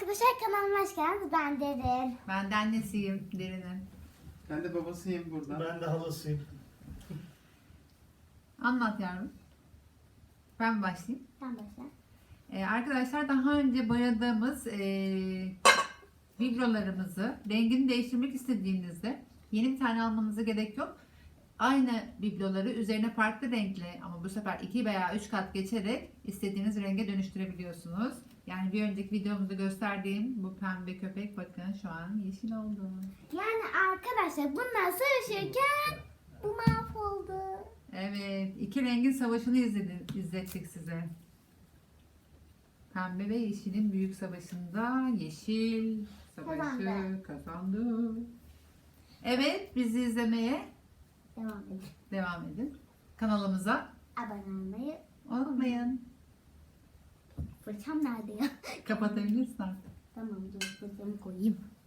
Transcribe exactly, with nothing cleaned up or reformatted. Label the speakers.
Speaker 1: arkadaşlar, kanalıma hoş geldiniz. Ben Derin.
Speaker 2: Ben de annesiyim Derin'in.
Speaker 3: Ben de babasıyım burada.
Speaker 4: Ben de halasıyım.
Speaker 2: Anlat yavrum. Ben mi başlayayım?
Speaker 1: Sen başla.
Speaker 2: Ee, arkadaşlar daha önce boyadığımız e, biblolarımızı rengini değiştirmek istediğinizde yeni bir tane almanıza gerek yok. Aynı bibloları üzerine farklı renkli ama bu sefer iki veya üç kat geçerek istediğiniz renge dönüştürebiliyorsunuz. Yani bir önceki videomuzda gösterdiğim bu pembe köpek bakın şu an yeşil oldu.
Speaker 1: Yani arkadaşlar bunlar savaşırken bu mahvoldu.
Speaker 2: Evet, iki rengin savaşını izledi, izlettik size. Pembe ve yeşilin büyük savaşında yeşil savaşı
Speaker 1: Kazandı.
Speaker 2: kazandı. Evet, bizi izlemeye
Speaker 1: Devam edin.
Speaker 2: devam edin. Kanalımıza
Speaker 1: Abone olmayı.
Speaker 2: unutmayın.
Speaker 1: Fırçam nerede ya?
Speaker 2: Kapatabilirsin artık.
Speaker 1: Tamam, dur fırçamı koyayım.